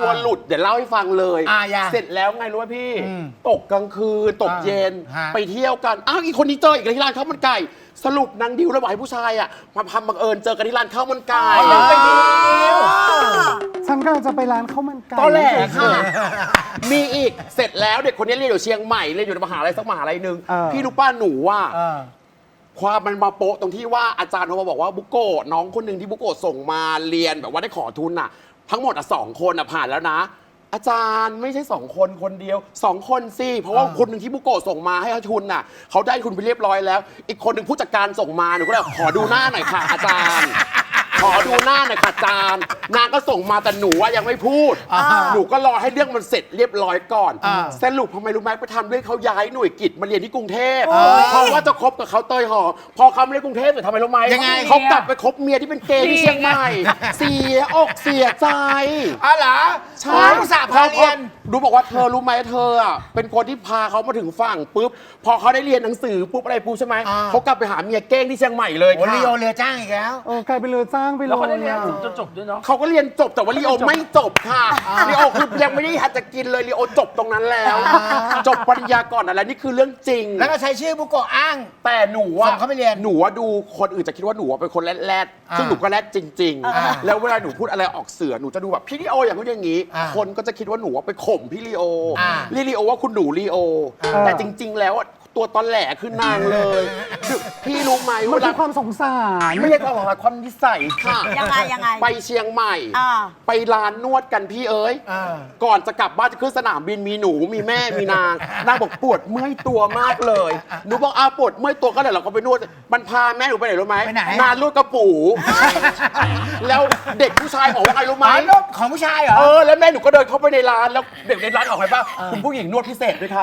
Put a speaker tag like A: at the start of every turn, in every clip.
A: ตัวหลุดเดี๋ยวเล่าให้ฟังเลย
B: อย่า
A: เสร็จแล้วไงรู้ไหมพี่ตกกลางคืนตกเย็นไปเที่ยวกันอ้าวอีกคนนี้เจออีกที่ร้านข้าวมันไก่สรุปนางดิวแล้วบอกให้ผู้ชายอ่ะมาทำบังเอิญเจอกันที่ร้านข้าวมันไก่ไปดิว
C: ฉันกำลังจะไปร้านข้าวมันไก่
A: ตอนแรกค่ะมีอีกเสร็จแล้วเด็กคนนี้เรียนอยู่เชียงใหม่เรียนอยู่ในมหาลัยสักมหาลัยหนึ่งพี่รู้ป้าหนูว่าความมันมาโปะตรงที่ว่าอาจารย์โทรมาบอกว่าบุโกะน้องคนหนึ่งที่บุโกะส่งมาเรียนแบบว่าได้ขอทุนอ่ะทั้งหมด2 คนผ่านแล้วนะอาจารย์ไม่ใช่2 คนคนเดียว2 คนสิเพราะว่าคนหนึ่งที่บุโกะส่งมาให้ทุนน่ะเขาได้ทุนไปเรียบร้อยแล้วอีกคนหนึ่งผู้จัดการส่งมาหนูก็เลยขอดูหน้าหน่อยค่ะอาจารย์ขอดูหน้าหน่อยค่ะอาจารย์นางก็ส่งมาแต่หนูยังไม่พูดหนูก็รอให้เรื่องมันเสร็จเรียบร้อยก่อนสรุปทำไมรู้ไหมไปทำด้วยเขาย้ายหน่วยกิจมาเรียนที่กรุงเทพเพราะว่าจะคบกับเขาเตยหอพอเขาไม่ได้กรุงเทพแต่ทำไมรู้ไหมเขากลับไปคบเมียที่เป็นเกย์ที่เชียงใหม่เสียอกเสียใจ
B: เหรอ
A: ใช่
B: สาพาเรียน
A: ดูบอกว่าเธอรู้ไหมเธออ่ะเป็นคนที่พาเขามาถึงฝั่งปุ๊บพอเขาได้เรียนหนังสือปุ๊บอะไรปุ๊บใช่ไหมเขากลับไปหาเมียเก้งที่เชียงใหม่เลยค่ะ
B: ลีโอเรือจ้างอีกแล้ว
C: กลายเป็นเรือจ้างไปเลย
D: แล้วเขาได้เรียนจนจบด้วยเนาะ
A: เขาก็เรียนจบแต่ว่าลีโอไม่จบค่ะลีโอคือยังไม่ได้หัดจะกินเลยลีโอจบตรงนั้นแล้วจบปริญญาก่อนอะไรนี่คือเรื่องจริง
B: แล้วก็ใช้ชื่อบุโกะอ้าง
A: แต่หนูว่า
B: เขาไปเรียน
A: หนูว่าดูคนอื่นจะคิดว่าหนูเป็นคนแรดๆซึ่งหนูก็แรดจริงๆแล้วเวลาหนูพูดอะไรออกเสือหนูจะดูแบบพี่ลีโออย่างนู้นอย่างนี้คนก็จะคิดว่าหนูว่าไปข่มพี่ลีโอลีโอว่าคุณหนูลีโอแต่จริง ๆ แล้วตัวตอนแหลคือนางเลยพี่รู้ไหม
C: มันคือความสงสาร
A: ไม่ใช่ความสงสารความนิสัยค่ะ
E: ยังไง
A: ไปเชียงใหม่ไปร้านนวดกันพี่เอ๋ยก่อนจะกลับบ้านจะขึ้นสนามบินมีหนูมีแม่มีนางบอกปวดเมื่อยตัวมากเลยหนูบอกปวดเมื่อยตัวก็เลยเราก็ไปนวดมันพาแม่หนูไปไหนรู้ไหมนานนวดกระปูแล้วเด็กผู้ชายบอกว่าไงรู้ไหม
B: ของผู้ชายเหรอ
A: แล้วแม่หนูก็เดินเข้าไปในร้านแล้วเด็กในร้านออกไปป่ะคุณผู้หญิงนวดพิเศษด้วยครับ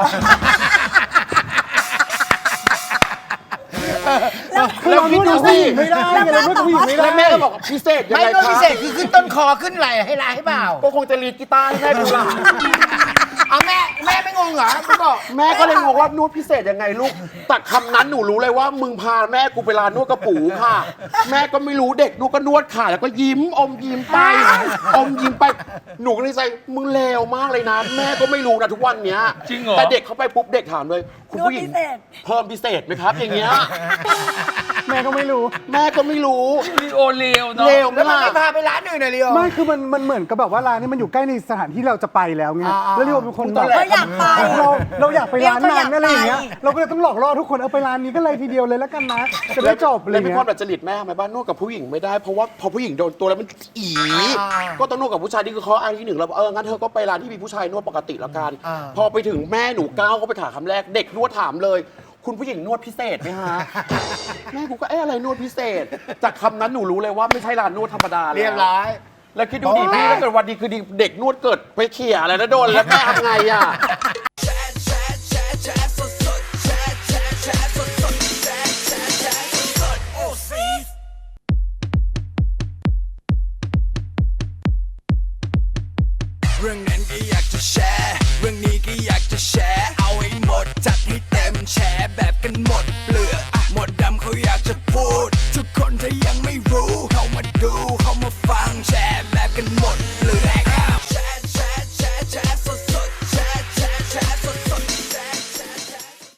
A: แล้วคิดดูสิ
C: ไม่ได้แล้วผู้หญิงไม่ได้
A: แม่ก็บอกพิเศษยังไง
B: ไม่พิเศษคือขึ้นต้นคอขึ้นไหล่ให้ลายให้เปล่า
A: ก็คงจะรีดกีตาร์ให้แม่ดูล่ะ
B: เอาแม่ไม่งงเหรอ
A: แม่ก็เลยงงว่านวดพิเศษยังไงลูกแต่คำนั้นหนูรู้เลยว่ามึงพาแม่กูไปร้านนวดกระปูค่ะแม่ก็ไม่รู้เด็กนวดก็นวดค่ะแล้วก็ยิ้มอมยิ้มไปอมยิ้มไปหนูก็เลยใจมึงเลวมากเลยนะแม่ก็ไม่รู้นะทุกวันเนี้ย
D: จริงเหรอ
A: แต่เด็กเข้าไปปุ๊บเด็กถามเลยคุณผู้หญิงเพิ่มพิเศษไหมครับอย่างเงี้ย
C: แม่ก็ไม่รู้
D: ลีโอเลวเนาะ
B: แล้วมันไม่พาไปร้านอื่นเลยลีโอ
C: ไม่คือมันเหมือนกับแบบว่าร้านนี้มันอยู่ใกล้ในสถานที่เราจะไปแล้วไงแล้วลีโอเป็นคนแบบ
E: เราอยากไป
C: เราอยากไปร้านนั้นอะไรอย่างเงี้ยเราก็เลยต้องหลอกล่อทุกคนไปร้านนี้ก็เลยทีเดียวเลยแล้วกันนะจะได้จบเลย
A: เป็นความดัดจริตแม่ทำไมบ้านนวดกับผู้หญิงไม่ได้เพราะว่าพอผู้หญิงโดนตัวแล้วมันก็ต้องนวดกับผู้ชายนี่คือข้ออ้างที่1แล้วงั้นเธอก็ไปร้านที่มีผู้ชายนวดปกติละกันพอไปถึงแม่หนูก้าวก็ไปถามคำแรกเด็กนวดถามเลยคุณผู้หญิงนวดพิเศษไหมฮะแม่กูก็อะไรนวดพิเศษจากคำนั้นหนูรู้เลยว่าไม่ใช่ร้านนวดธรรมดา
B: เรียบร้อย
A: แล้วคิดดูดิพี่ถ้าเกิดวันดีคือดีเด็กนวดเกิดไปเขี่ยอะไรแล้วโดนแล้วแม่ทำไงอ่ะ
F: เรื่องไหน